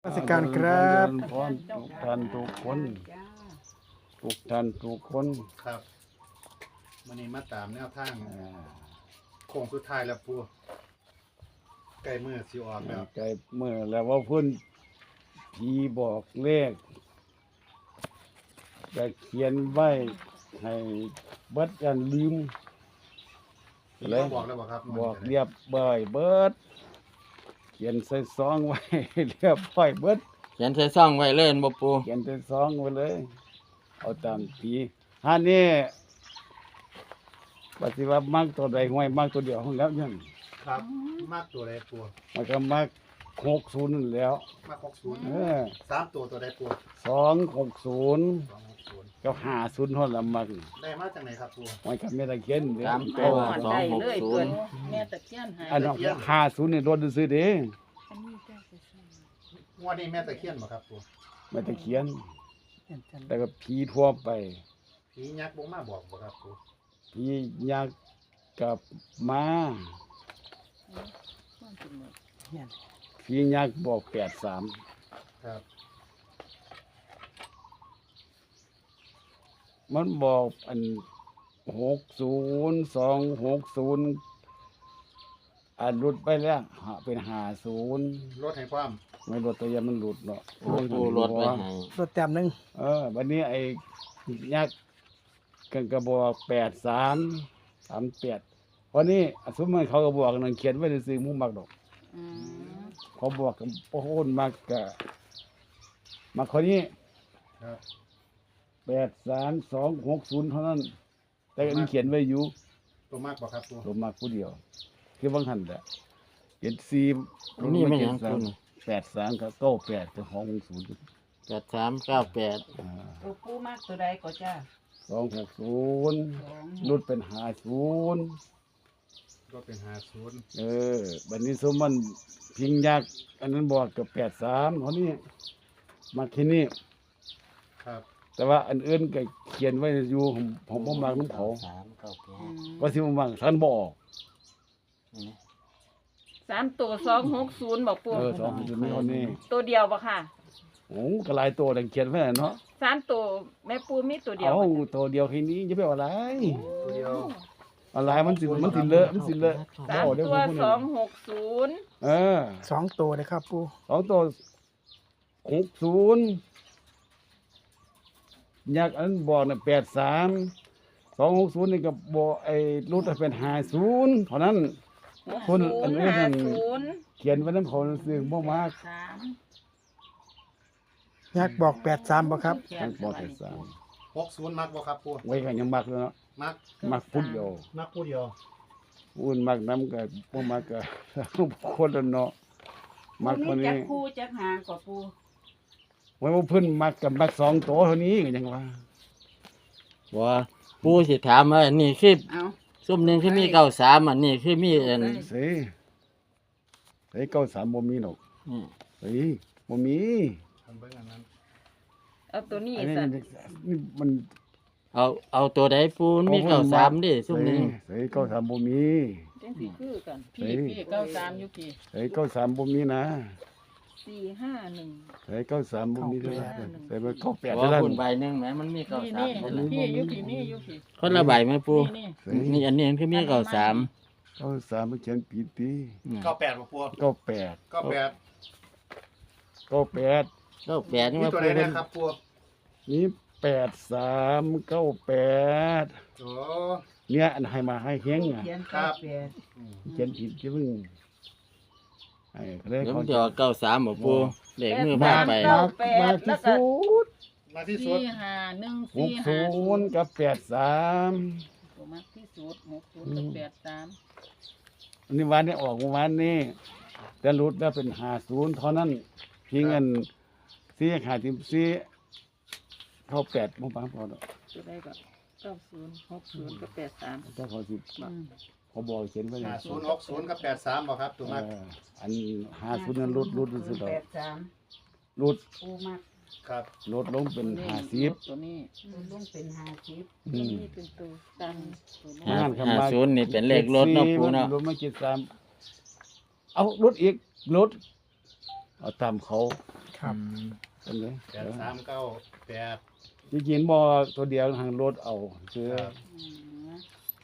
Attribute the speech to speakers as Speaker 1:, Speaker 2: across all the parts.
Speaker 1: ราชการครับ
Speaker 2: พรทุกท่านทุกคนทุกท่านทุกคน
Speaker 3: ครับวันนี้มาตามแนวทาง
Speaker 2: อ่า
Speaker 3: โค้งสุดท้ายแล้วปูใกล้มือสิออกแล้ว
Speaker 2: ใจเมื่อแล้วว่าเพิ่นผีบอกเลขจะเขียนไว้ให้เบิดกันลืม
Speaker 3: พี่ก็บอกแล้วบอกครับ
Speaker 2: บอกเรียบร้อยเบิดเขียนใส่ซองไว้ เรียบร้อยเบิด
Speaker 4: เขียนใส่ซ่องไว้เล่นบ่ปู
Speaker 2: เขียนใส่ซองไว้เลย เอาตามผีฮานี่ปฏิวัติมักตัวใดห้วยมักตัวเดียวของแล้วยัง
Speaker 3: ครับมากตัวใดปู
Speaker 2: มันก็มัก60นั่นแหล้ว
Speaker 3: มาก60
Speaker 2: เออ
Speaker 3: 3ตัวได้ปู
Speaker 2: 260
Speaker 3: 260
Speaker 2: กับ50เท่าละมัก
Speaker 3: ได้มาจากไหนครับปู
Speaker 2: มันก็ไม่ได้เขียนเด้
Speaker 4: สาม
Speaker 2: อ
Speaker 4: ตัว
Speaker 5: ได้เลย
Speaker 4: 260
Speaker 5: เพิ่นแม่ตะเคียนหาย
Speaker 2: อันนั้น50นี่รถซื้อเด้
Speaker 3: งวดนี้แม่ตะเคียนบ่ครับปู
Speaker 2: ไม่ได้เขียน แต่ก็ผีทั่วไป
Speaker 3: ผียักษ์บ่มาบอกบ่ครับปู
Speaker 2: ผียักษ์กับม้าผียักษ์บอก83
Speaker 3: ครับ
Speaker 2: มันบอกอัน60260อันหลุดไปแล้วเป็น50
Speaker 3: รถให้ความ
Speaker 2: ไม่หลุดตัวอยางมันหลุดเนาะ
Speaker 4: โอ้ปูรถไว้ให้
Speaker 1: รถแต้มหนึ่ง
Speaker 2: วันนี้ไอ้ยักษ์กันกระบอก8338วันนี้สมมติเขาก็บอกนั่นเขียนไว้ในซื้อมุ้งมักดอก
Speaker 5: อืม
Speaker 2: เขาบอกกับโอ้โหมักกะมาคนนี้
Speaker 3: ครับ
Speaker 2: 83260เท่านั้น แต่อันนี้เขียนไว้อยู่
Speaker 3: ตัวมากบ่ครับปู
Speaker 2: ผมมักผู้เดียว คือบางท่านแหละเขียน4
Speaker 4: นี่ไม่หยังปูนี่
Speaker 2: 83กับ98กับ260
Speaker 4: 8398
Speaker 5: ตัวปูมากตัวใดก็จ้า
Speaker 2: 260รุดเป็น50
Speaker 3: รถเป็น50
Speaker 2: บัดนี้สมมันพิงยักษ์อันนั้นบอกกับ83เท่านี้มาแค่นี้
Speaker 3: ครับ
Speaker 2: แต่ว่าอันอื่นก็เขียนไว้อยู่ผมบ่มักน้ำเขา
Speaker 4: 398
Speaker 2: ว่าสิบ่มักท่านบ่ออก
Speaker 5: 3ตัว260บอกปู
Speaker 2: 260มีเท่านี้
Speaker 5: ตัวเดียวบ่ค่ะ
Speaker 2: โอ้ก็หลายตัวแต่เขียนไว้น่ะเนาะ
Speaker 5: 3ตัวแม่ปูมีตัวเดียว
Speaker 2: เอา
Speaker 5: บ่
Speaker 2: ตัวเดียวแค่นี้จะไปเอาอะไร
Speaker 3: ตัวเดียว
Speaker 2: อะไรมันสิเลอะมันสิเลอะ
Speaker 5: สาม
Speaker 2: เดี๋ยว
Speaker 5: ตัว
Speaker 2: ผมพูดให้
Speaker 5: 260
Speaker 1: 2 ตัวเลยครับปู
Speaker 2: สองตัว60ยักษ์อันบอกน่ะ83 260นี่ก็บอกไอ้รุดเป็น50เท่านั้น คนอันนี้นั่น
Speaker 5: 50
Speaker 2: เขียนไว้น้ำเขาซื้อบ่มาก
Speaker 1: ยักษ์บอก83บ่ครับ
Speaker 2: ทั้งปอดสาม
Speaker 3: 60มักบ่ครับปู
Speaker 2: ไว้กันยังมักเลยเนาะ
Speaker 3: มัก
Speaker 2: มักพุดเดียว
Speaker 3: มักผู้เดียว
Speaker 2: อุ่นมักน้ำกับบ่มักกับคนละเนาะมักคน
Speaker 5: จั
Speaker 2: นี้
Speaker 5: กคู่จักหางก็ปู
Speaker 2: ไว้ว่าเพิ่นมักกับมัก2ตัวเท่านี้ก็ยังว่า
Speaker 4: ว่าปูสิถามว่าอันนี้คือ
Speaker 5: เอา
Speaker 4: ซุ่มหนึงคือมี93อันนี้คือมีอัน
Speaker 2: สิ93บ่มีดอก
Speaker 4: นี่
Speaker 2: เฮ้ยบ่มี
Speaker 3: ทำเบิ่งอันนั้น
Speaker 5: เอาตัวนี้
Speaker 2: อันนี้
Speaker 5: สั่น
Speaker 2: นี่มัน
Speaker 4: เอาตัวใดปูมันมี93ดิซุ่มหนึง
Speaker 2: เฮ้ย93บ่มี
Speaker 5: จังสิคือกัน
Speaker 2: เฮ้ย
Speaker 5: พี่93อยู่พี่
Speaker 2: เฮ้ย93บ่มีนะ
Speaker 5: 451
Speaker 2: เฮ้ย93บ่มีเด้อเฮ้ยมัน98
Speaker 4: ว่า
Speaker 2: เท่านั้น
Speaker 4: คุณใบหนึงแหมมันมี
Speaker 5: นี่
Speaker 4: 93
Speaker 5: พี่อยู่พี่นี่อยู่พี่
Speaker 4: คนละใบไหมปู
Speaker 5: นี่
Speaker 2: เฮ้ย
Speaker 4: นี่อันนี้คือมี93
Speaker 2: 93มันเขียนผิดติ
Speaker 3: 98บ่ปู
Speaker 2: 98
Speaker 3: 98
Speaker 2: 98
Speaker 4: 98นี่
Speaker 3: มี
Speaker 4: ว่า
Speaker 3: ตัว
Speaker 4: ปู
Speaker 3: ใด
Speaker 4: เพิ่น
Speaker 3: นะครับปู
Speaker 2: นี่8398
Speaker 3: โอ้
Speaker 2: เนี่ยอันให้มาให้เฮงอ่ะ
Speaker 3: ครับ
Speaker 2: เขียนผิดจะเพิ่งไอ้เขาเรียก
Speaker 4: เดี๋ยว
Speaker 2: เขา
Speaker 4: มันจะเอา93บ่ปูเลขมือ
Speaker 5: มา
Speaker 4: พาไป
Speaker 2: มาที่สุด
Speaker 3: มาที่สุด
Speaker 2: 60กับ83
Speaker 5: ตัวมากที่สุด60กับ83
Speaker 2: อันนี้วันนี้ออกเมื่อวานนี้แต่รุดแล้วเป็น50เท่านั้นเพียงเงินซีหาทีมซีเข้า8บ่ปังพอดอก
Speaker 5: ตัวใดก็90 60กับ83
Speaker 2: เจ้าขอสิเขาบอกเขียนไว้เลย
Speaker 3: 5060กับ83บ่ครับตัวมาก
Speaker 2: อัน50นั้นรุดมันสิดอก
Speaker 5: 83
Speaker 2: รุด
Speaker 5: ปูมาก
Speaker 3: ครับ
Speaker 2: ลดลงเป็น
Speaker 5: ตัว
Speaker 2: 50
Speaker 5: ตัวนี้
Speaker 6: ลุงเป็น50
Speaker 2: อื
Speaker 5: ตัว
Speaker 2: ม
Speaker 5: นี้เป็นตัวตันตัวนี้
Speaker 4: 50นี่เป็นเลขรถเนาะปูเนาะ
Speaker 2: รถมา73เอารถอีกรถเอาตามเขา
Speaker 1: ครับ
Speaker 2: อันนี้
Speaker 3: 8398
Speaker 2: จริงๆบ่ตัวเดียวทางรถเอาคือ
Speaker 3: ครับ
Speaker 5: อืม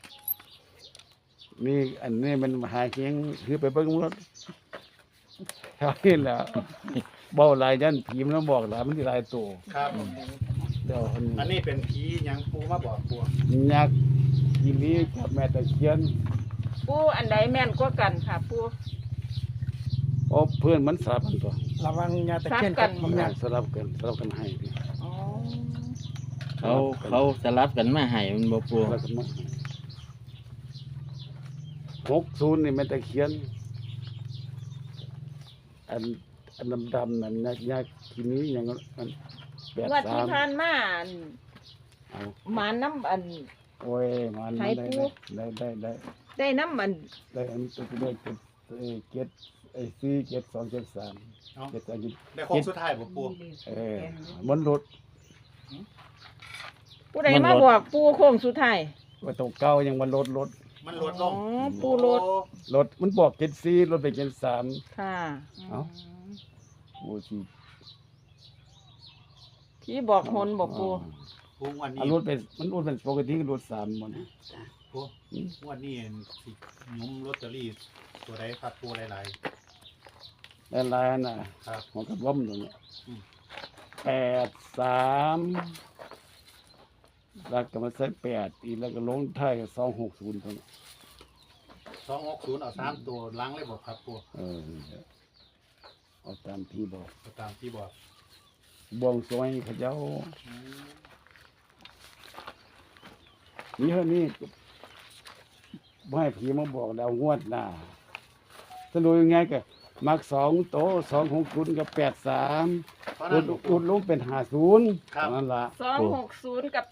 Speaker 2: นี่อันนี้มันหาเคียงคือไปเบิ่งรถเท่านี้แหละเบ้าหลายยันผีมันบอกหลายมันสิหลายตัว
Speaker 3: ครับ
Speaker 2: เดี๋ยวอัน
Speaker 3: อันนี้เป็นผีหยังปูมาบอกปู
Speaker 2: ยักษ์ทีนี้กับแม่ตะเคียน
Speaker 5: ปูอันใดแม่นกว่ากันค่ะปู
Speaker 2: เพราะเพื่อนมันสลับกันตัว
Speaker 1: ระวังยาตะเคียนกับ
Speaker 5: ซับกัน
Speaker 1: ยา
Speaker 2: สลับกันให้พี่
Speaker 5: อ๋อ
Speaker 4: เขาสลับกันมาให้มันบ่ปู
Speaker 2: สลับกันมาให้60นี่แม่ตะเคียน อันดำๆนั่นยักษ์ทีนี้ยังมัน
Speaker 5: งวดที่ผ่านมาอัน
Speaker 2: เอา
Speaker 5: หมาน้ำอัน
Speaker 2: โอ้ยมัน
Speaker 5: ไทยปู
Speaker 2: ได้
Speaker 5: ได้น้ำอัน
Speaker 2: ได้อันตัวได้เก็ดไอ้4 7 2 7 3
Speaker 3: เนาะ
Speaker 2: เก็ดอันนี้
Speaker 3: ได้โค้งสุดท้ายบ่ปู
Speaker 2: มันรถ
Speaker 5: ผู้ใดมาบอกปูโค้งสุดท้าย
Speaker 2: ว่าตัวเก่ายังมันรถ
Speaker 3: มันลดลง
Speaker 5: อ๋อปูรถ
Speaker 2: รถมันบอกเก็ด4รถไปเก็ด3
Speaker 5: ค่ะ
Speaker 2: เอ้า โอ้สิ
Speaker 5: พี่บอกหนบอกปู
Speaker 3: ปูงวันนี้
Speaker 2: อันรถเป็นมันรถเป็นปกติก็รถ3มัน
Speaker 3: ปูงวันนี้สิหยุ้มลอตเตอรี่ตัวใดครับปูหลาย
Speaker 2: หลายๆน่ะ
Speaker 3: ๆครับ
Speaker 2: ของกระว่อมตรงนี้
Speaker 3: อืม
Speaker 2: 83แล้วก็มาใส่8อีกแล้วก็ลงท้ายกับ260ตรงนี้
Speaker 3: 260เอา3ตัวล้างเลยบ่ครับปู
Speaker 2: เอาตามที่บอก
Speaker 3: เอาตามที่บอก
Speaker 2: บวงสรวงให้เขาเจ้า
Speaker 3: อืม
Speaker 2: นี่เท่านี้บ่ให้ผีมาบอกแล้วงวดหน้าสรุปยังไงก็มัก2โต260กับ83
Speaker 3: เพราะนั้น
Speaker 2: อุดลงเป็น50
Speaker 3: ครับ
Speaker 2: นั่นล่ะ
Speaker 5: 260กับ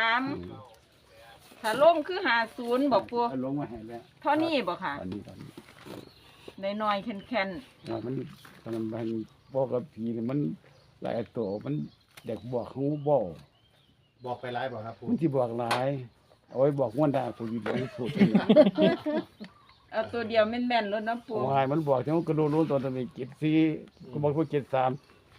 Speaker 5: 83ถ้าลงคือ50บอกปู
Speaker 2: เอาลงมาให้แล้ว
Speaker 5: เท่านี้บอกค่ะ
Speaker 2: อันนี้
Speaker 5: น้อยๆแค่น
Speaker 2: ว่ามันบอกกับผีนี่มันหลายตัวมันเด็กบอกเขาบอก
Speaker 3: บอกไปหลายบ่ครับปู
Speaker 2: มันที่บอกหลายเอาไว้บอกงวดหน้าผู้อยู่บ่ถูก
Speaker 5: ๆเอาตัวเดียวแม่นๆแล้วนะปู
Speaker 2: วายมันบอกที่มันกระโดดลงตอนตะเก็บ4ก็บอกว่า73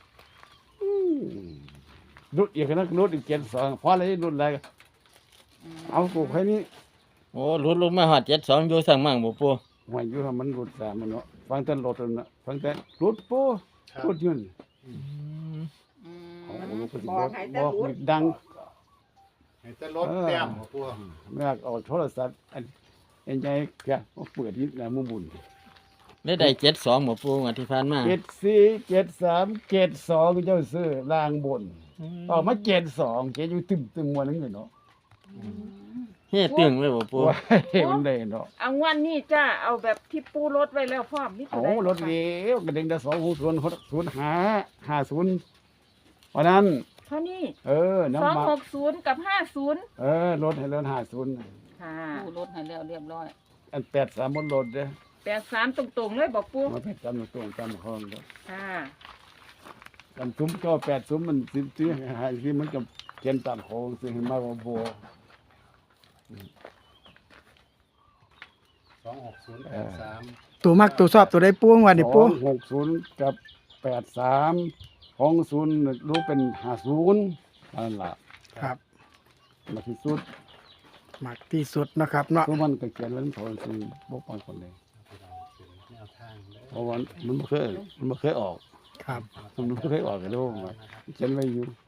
Speaker 2: รุดอีกนะรุดอีก72พอเลยรุดอะไรเอากูแค่นี้
Speaker 4: โอ้หลุดลงมาฮอด72อยู่สั่งมั่งบ่ปู
Speaker 2: หวยอยู่ทำมันรุด3มันเนาะฟังแต่รถนั่นน่ะฟังแต่รุดปู
Speaker 3: ครับ
Speaker 2: รุดยืน
Speaker 5: อื
Speaker 2: เอา
Speaker 5: ม
Speaker 2: ลูกก็สิ
Speaker 6: บอกให้แต่
Speaker 2: บอก
Speaker 6: รุด
Speaker 2: ดัง
Speaker 3: ให้แต่รถแต้มบ่ปู
Speaker 2: ไม่อยากเอาโทรศัพท์อันใหญ่แกเอาเปิดนิดนะมุมบุญ
Speaker 4: ได้72บ่ปูงวดที่ผ่านมา
Speaker 2: 74 73 72เจ้าซื้อล่างบนออกมา72เกอยู่ตึมๆวันนึงเลยเนาะ
Speaker 4: เฮ็ดตึงเลยบ่ปู
Speaker 2: ว้ายมันได้เนาะ
Speaker 5: เอางวันนี้จ้าเอาแบบที่ปูรถไว้แล้วพร้อมมีตั
Speaker 2: เอา
Speaker 5: วใด
Speaker 2: รถเลี้ยวกระเด้งได้26050วันนั้น
Speaker 5: เท่านี้
Speaker 2: น้ำมัน
Speaker 5: 260กับ50
Speaker 2: รถให้เลิน50
Speaker 5: ค่ะปูรถให้แล้วเรียบร้อย
Speaker 2: อัน83บนรถเด้อ
Speaker 5: 83ตรงๆเลยบอกปู
Speaker 2: มา83ตรงตามห้องเด้อ
Speaker 5: ค่ะ
Speaker 2: อันซุ้มก็8ซุ้มมันสิหาที่มันก็เขียนตามโค้งสิให้มาบ่บ่
Speaker 3: 26083
Speaker 1: ตัวมักตัวชอบตัวได้ปูงวันนี้ปู
Speaker 2: 260กับ83ของ0รู้เป็น50นั่นล่ะ
Speaker 1: ครับ
Speaker 2: มาที่สุด
Speaker 1: มักที่สุดนะครับเนาะ
Speaker 2: ทุกมันก็เขียนแล้วโทนสิบ่ปานคนใด
Speaker 3: แนวทางเด้อ
Speaker 2: เพราะว่ามันบ่เคยออก
Speaker 1: ครับ
Speaker 2: มันบ่เคยออกกันโลกว่าเขียนไว้อยู่